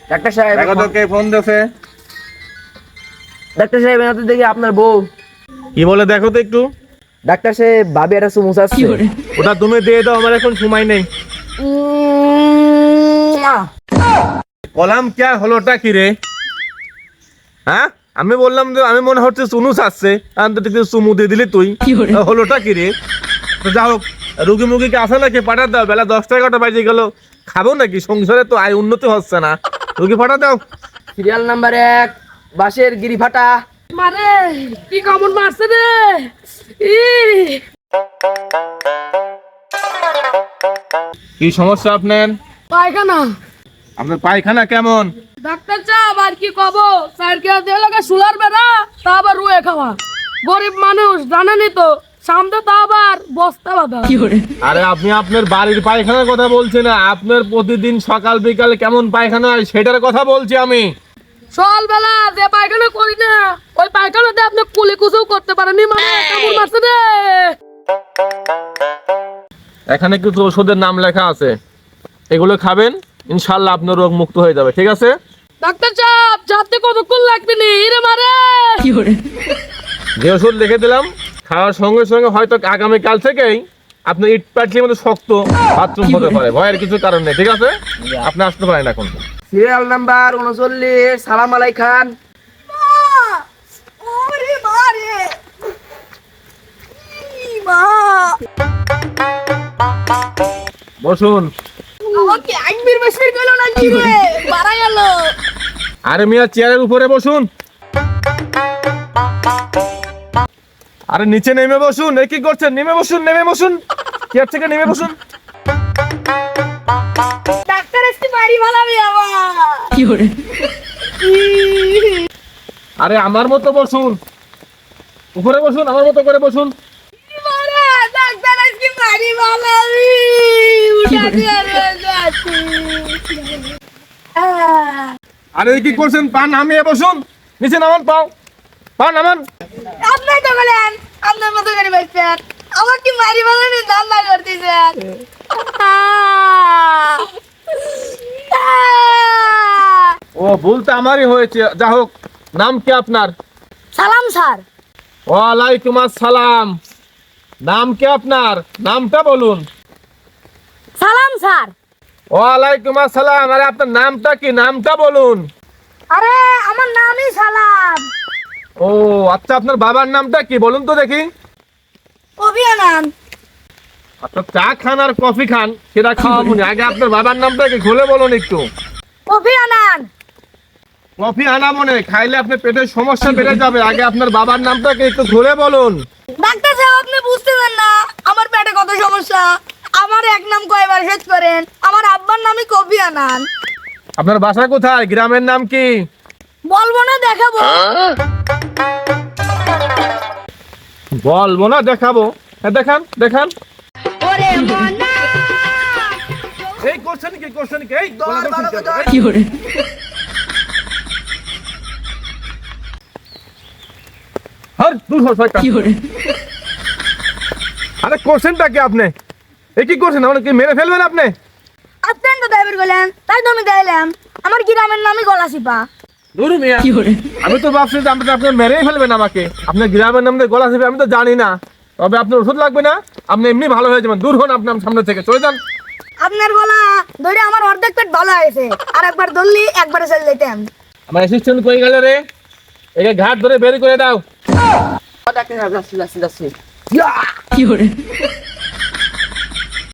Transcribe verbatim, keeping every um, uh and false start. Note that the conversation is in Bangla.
ডাক্তার সাহেব দেখো তো কে ফোন দিয়েছে। ডাক্তার সাহেব এনাতে দেখি আপনার বউ। কি বলে দেখো তো একটু। ডাক্তার সাহেব ভাবি একটা চুমু চাচ্ছে। ওটা তুমি দিয়ে দাও, আমার এখন সময় নেই। কলাম কে হলোটা কি রে? হ্যাঁ আমি বললাম যে আমি মনে হচ্ছে চুনু চাচ্ছে, আমি তো চুমু দিয়ে দিলি তুই। হলোটা কি রে? তো যা হোক, রুগী মুগীকে আসে নাকি পাঠা দাও, বেলা দশটা এগারোটা বাজে গেল, খাবো নাকি? সংসারে তো আয় উন্নতি হচ্ছে না, রুগী পাঠা দাও। সিরিয়াল নাম্বার এক, বাঁশের গিরি ফাটা। মারে কি কামড় মারছে রে। ই কি সমস্যা আপনার? পায়খানা। আপনার পায়খানা কেমন? ডাক্তার সাহেব আর কি কব, স্যার কে দিয়ে লাগা সুলার বেড়া, তা আবার রুয়ে খাওয়া। গরিব মানুষ জানেনই তো, সামনে তা আবার বস্তা বাঁধা। আরে আপনি আপনার বাড়ির পায়খানার কথা বলছেন না, আপনার প্রতিদিন সকাল বিকালে কেমন পায়খানা হয় সেটার কথা বলছি আমি। সকালবেলা যে পায়খানা করি না, ওই পায়খানাতে আপনি কুলি কুচুও করতে পারেনি, মানে কামড় মারছে রে। এখানে কিছু ওষুধের নাম লেখা আছে, এগুলো খাবেন, ইনশাল্লাহ আপনার রোগ মুক্ত হয়ে যাবে, ঠিক আছে? ডাক্তার সাহেব যাতে কতক্ষণ লাগবে নি রে মারে। যে ওষুধ লিখে দিলাম খাওয়ার সঙ্গে সঙ্গে হয়তো আগামীকাল থেকেই আপনি ইট পাটলির মতো শক্ত বাথরুম হতে পারে, ভয়ের কিছু কারণ নেই, ঠিক আছে? আপনি আসতে পারেন এখন। সিরিয়াল নাম্বার উনচল্লিশ, সালাম আলাই খান। বসুন। আরে মিয়া চেয়ারের উপরে বসুন। আরে নিচে নেমে বসুন, এ কি করছেন? নেমে বসুন, নেমে বসুন, চেয়ার থেকে নেমে বসুন। ডাক্তার এসে বাড়ি ভালাবি আমার। আরে আমার মতো বসুন, উপরে বসুন, আমার মতো করে বসুন। ডাক্তার আজকে বাড়ি ভালাবি। উঠা দিয়ে যাচ্ছি। আরে কি করছেন? পা নামিয়ে বসুন, নিচে নামান, পাও পা নামান। আপনি তো বলেন আপনার মতো করে বসছেন, আমার কি মারি ভালাবি ধান্দা করতেছেন। ও ভুল তো আমারই হয়েছে, যা হোক। নাম কি আপনার? সালাম স্যার। ওয়ালাইকুম আসসালাম। নাম কি আপনার? নামটা বলুন। সালাম স্যার। ওয়ালাইকুম আসসালাম। আরে আপনার নামটা কি? নামটা বলুন। আরে আমার নামই সালাম। ও আচ্ছা, আপনার বাবার নামটা কি বলুন তো দেখি। অভিয়ানন্দ। আচ্ছা, চা খান আর কফি খান সেটা খাওয়াবো না, আগে আপনার বাবার নামটা কি খুলে বলুন একটু। অভিয়ানন্দ। কফি আনাবো না, খাইলে আপনার পেটের সমস্যা বেড়ে যাবে, আগে আপনার বাবার নামটাকে একটু খুলে বলুন। ডাক্তার সাহেব আপনি বুঝতেছেন না আমার পেটে কত সমস্যা। আমার এক নাম কয়বার শেষ করেন, আমার আব্বার নামই কবিয়ানন্দ। আপনার বাসা কোথায়? গ্রামের নাম কি? বলবো না দেখাবো। বলবো না দেখাবো? হ্যাঁ দেখান, দেখান। ওরে মনা এই করছেন কি? করছেন কি? এই দর, গলা ভালো ধরছেন করে কেন? ধর। এই, হার, দূর হও শয়তান। আরে করছেনটা কি আপনি? এ কি করছেন? আমাকে কি মেরে ফেলবেন আপনি? আপনি তো ড্রাইভার গেলেন, তাই তো আমি দিলাম। আমার গ্রামের নামই গলাচিপা। দূর মিয়া। আমি তো ভাবছি যে আপনি আপনি মেরেই ফেলবেন আমাকে। আপনার গ্রামের নাম দিয়ে গলা চেপে আমি তো জানি না, তবে আপনার ওষুধ লাগবে না, আপনি এমনি ভালো হয়ে যাবেন। দূর হন আপনি আমার সামনে থেকে, চলে যান। আপনার গলা ধরে আমার অর্ধেক পেট ভালো হয়েছে, আর একবার ধরলি একবারে চলে যেতাম। আমার অ্যাসিস্ট্যান্ট কই গেল রে? একে ঘাট ধরে বের করে দাও। ডাক্তার সাহেব যাচ্ছি যাচ্ছি যাচ্ছি। কি করে